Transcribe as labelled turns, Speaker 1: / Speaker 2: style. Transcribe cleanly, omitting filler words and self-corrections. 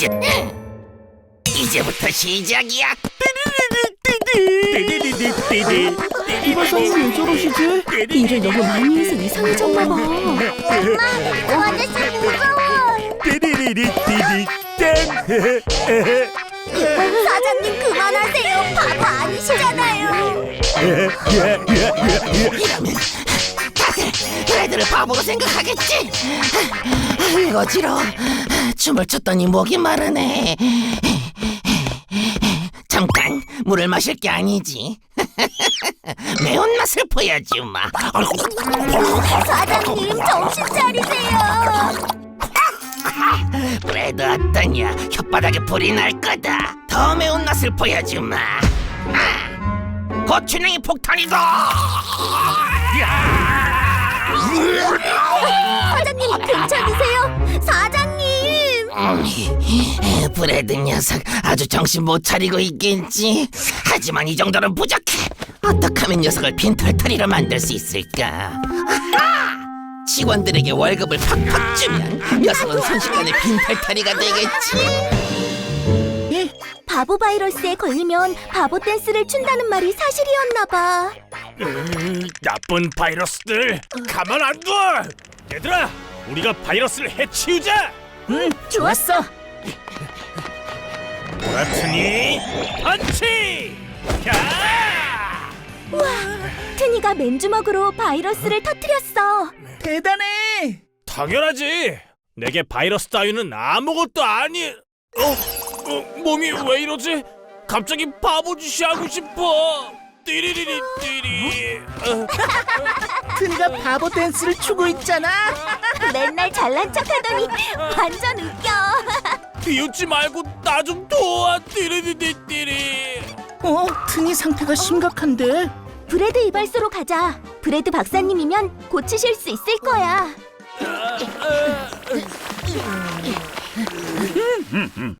Speaker 1: 이제부터 시작이야.
Speaker 2: 이발사님 왜 저러시지?
Speaker 3: 일을 너무 많이 해서 이상해졌나 봐.
Speaker 4: 아저씨 무서워. 사장님 그만하세요. 바보 아니시잖아요.
Speaker 1: 이러면 다들 애들을 바보로 생각하겠지. 어지러워. 춤을 췄더니 목이 마르네. 잠깐 물을 마실 게 아니지. 매운맛을 보여주마.
Speaker 4: 사장님 정신 차리세요.
Speaker 1: 브레드 어떠냐? 혓바닥에 불이 날 거다. 더 매운맛을 보여주마. 고추냉이 폭탄이다.
Speaker 4: 사장님 괜찮으세요? 사장님.
Speaker 1: 브레드 녀석 아주 정신 못 차리고 있겠지. 하지만 이 정도는 부족해. 어떻게 하면 녀석을 빈털터리로 만들 수 있을까? 직원들에게 월급을 팍팍 주면 녀석은 순식간에 빈털터리가 되겠지.
Speaker 4: 바보 바이러스에 걸리면 바보 댄스를 춘다는 말이 사실이었나 봐.
Speaker 5: 나쁜 바이러스들 가만 안 둬! 얘들아, 우리가 바이러스를 해치우자!
Speaker 3: 응, 좋았어.
Speaker 5: 보라트니 펀치! 야!
Speaker 4: 우와, 트니가 맨주먹으로 바이러스를 터뜨렸어.
Speaker 2: 대단해.
Speaker 5: 당연하지! 내게 바이러스 따위는 아무것도 아니... 몸이 왜 이러지? 갑자기 바보짓이 하고 싶어! 띠리리리 띠리...
Speaker 2: 트니가 바보 댄스를 추고 있잖아.
Speaker 4: 맨날 잘난 척하더니 완전 웃겨.
Speaker 5: 비웃지 말고 나 좀 도와! 띠리리리 띠리...
Speaker 2: 트니 상태가 심각한데.
Speaker 4: 브레드 이발소로 가자. 브레드 박사님이면 고치실 수 있을 거야.